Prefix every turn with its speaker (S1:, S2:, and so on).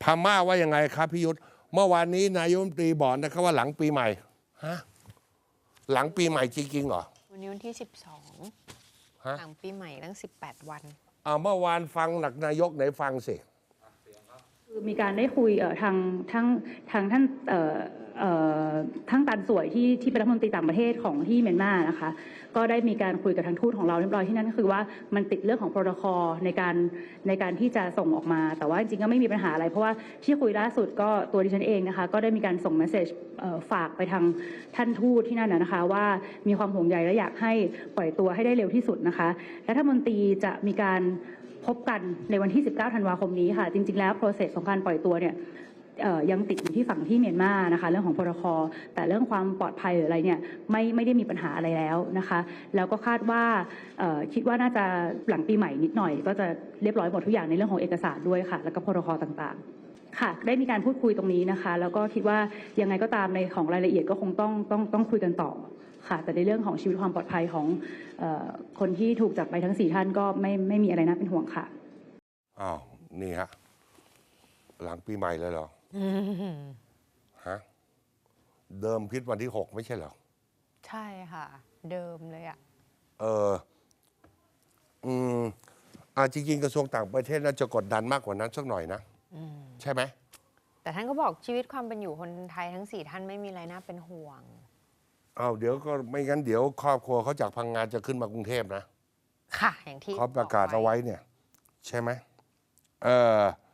S1: พม่าว่ายังไงครับพี่ยุทธเมื่อวานนี้นายกรัฐมนตรีบอกนะครับว่าหลังปีใหม่ฮะหลังปีใหม่จริงๆเหรอ
S2: วันนี้วันที่
S1: ฮะ
S2: 12 หลังปีใหม่ตั้ง 18 วัน
S1: เมื่อวานฟังหลักนายกไหนฟังสิ
S3: คือมีการได้คุยทางท่านทั้งตันสวยที่เป็นรัฐมนตรีต่างประเทศของที่เมียนมานะคะก็ได้มีการคุยกับทางทูตของเราเรียบร้อยที่นั่นก็คือว่ามันติดเรื่องของโปรโตคอลในการที่จะส่งออกมาแต่ว่าจริงๆก็ไม่มีปัญหาอะไรเพราะว่าที่คุยล่าสุดก็ตัวดิฉันเองนะคะก็ได้มีการส่งเมสเซจฝากไปทางท่านทูตที่นั่นนะคะว่ามีความห่วงใยและอยากให้ปล่อยตัวให้ได้เร็วที่สุดนะคะรัฐมนตรีจะมีการพบกันในวันที่ 19 ธันวาคมนี้ค่ะจริงๆแล้ว process ของการปล่อยตัวเนี่ยยังติดอยู่ที่ฝั่งที่เมียนมานะคะเรื่องของโปรโตคอลแต่เรื่องความปลอดภัยหรืออะไรเนี่ยไม่ได้มีปัญหาอะไรแล้วนะคะแล้วก็คาดว่าคิดว่าน่าจะหลังปีใหม่นิดหน่อยก็จะเรียบร้อยหมดทุกอย่างในเรื่องของเอกสารด้วยค่ะแล้วก็โปรโตคอลต่างๆค่ะได้มีการพูดคุยตรงนี้นะคะแล้วก็คิดว่ายังไงก็ตามในของรายละเอียดก็คงต้องคุยกันต่อค่ะแต่ในเรื่องของชีวิตความปลอดภัยของคนที่ถูกจับไปทั้ง4ท่านก็ไม่มีอะไรน่าเป็นห่วงค่ะ
S1: อ้าวนี่ฮะหลังปีใหม่เลยเหรอฮะเดิมพิษวันที่6ไม่ใช่เหรอ
S2: ใช่ค่ะ เดิมเลยอ่ะ
S1: จริงๆกระทรวงต่างประเทศน่าจะกดดันมากกว่านั้นสักหน่อยนะใช่ไหม
S2: แต่ท่านก็บอกชีวิตความเป็นอยู่คนไทยทั้ง 4 ท่านไม่มีอะไรน่าเป็นห่วง
S1: เดี๋ยวก็ไม่งั้นเดี๋ยวครอบครัวเขาจากพังงานจะขึ้นมากรุงเทพนะ
S2: ค่ะอย่างที่
S1: เขาประกาศเอาไว้เนี่ยใช่ไหม